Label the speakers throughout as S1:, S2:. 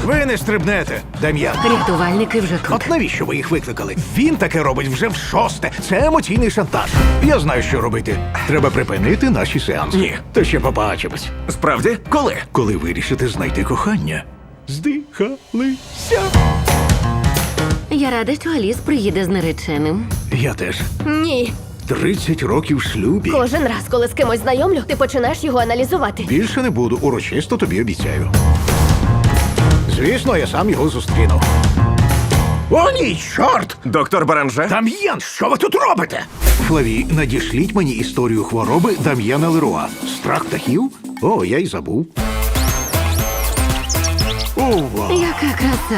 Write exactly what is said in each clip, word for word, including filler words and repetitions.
S1: Ви не стрибнете, Дем'ян.
S2: Рятувальники вже тут.
S1: От навіщо ви їх викликали? Він таке робить вже в шосте. Це емоційний шантаж. Я знаю, що робити. Треба припинити наші сеанси.
S3: Ні.
S1: То ще побачимось.
S3: Справді? Коли?
S1: Коли вирішите знайти кохання. Здихалися.
S2: Я рада, що Аліс приїде з нареченим.
S1: Я теж.
S4: Ні.
S1: тридцять років в шлюбі.
S4: Кожен раз, коли з кимось знайомлю, ти починаєш його аналізувати.
S1: Більше не буду, урочисто тобі обіцяю. Звісно, я сам його зустріну. О, ні, чорт!
S3: Доктор Баранже?
S1: Дам'ян, що ви тут робите? Флаві, надішліть мені історію хвороби Дам'яна Леруа. Страх птахів? О, я й забув. Ова!
S2: Яка краса.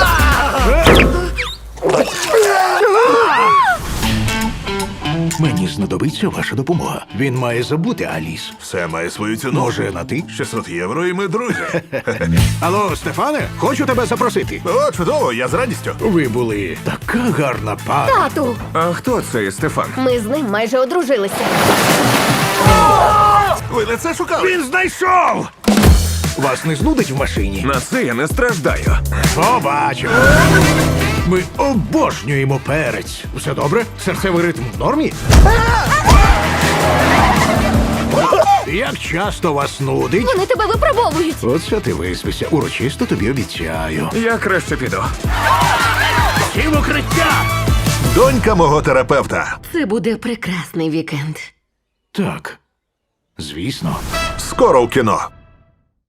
S1: Мені знадобиться ваша допомога. Він має забути Аліс.
S5: Все має свою ціну.
S1: Може, на ти?
S5: шістсот євро і ми друзі.
S1: Алло, Стефане, хочу тебе запросити.
S5: О, чудово, я з радістю.
S1: Ви були така гарна пара.
S4: Тату!
S3: А хто цей Стефан?
S4: Ми з ним майже одружилися.
S5: Ви не це шукали?
S1: Він знайшов! Вас не знудить в машині?
S3: На це я не страждаю.
S1: Побачимо. Ми обожнюємо перець. Все добре? Серцевий ритм в нормі? Як часто вас нудить?
S4: Вони тебе випробовують.
S1: Оце ти виспися. Урочисто тобі обіцяю.
S3: Я краще піду.
S1: Всі в укриття!
S5: Донька мого терапевта.
S2: Це буде прекрасний вікенд.
S1: Так, звісно.
S5: Скоро в кіно.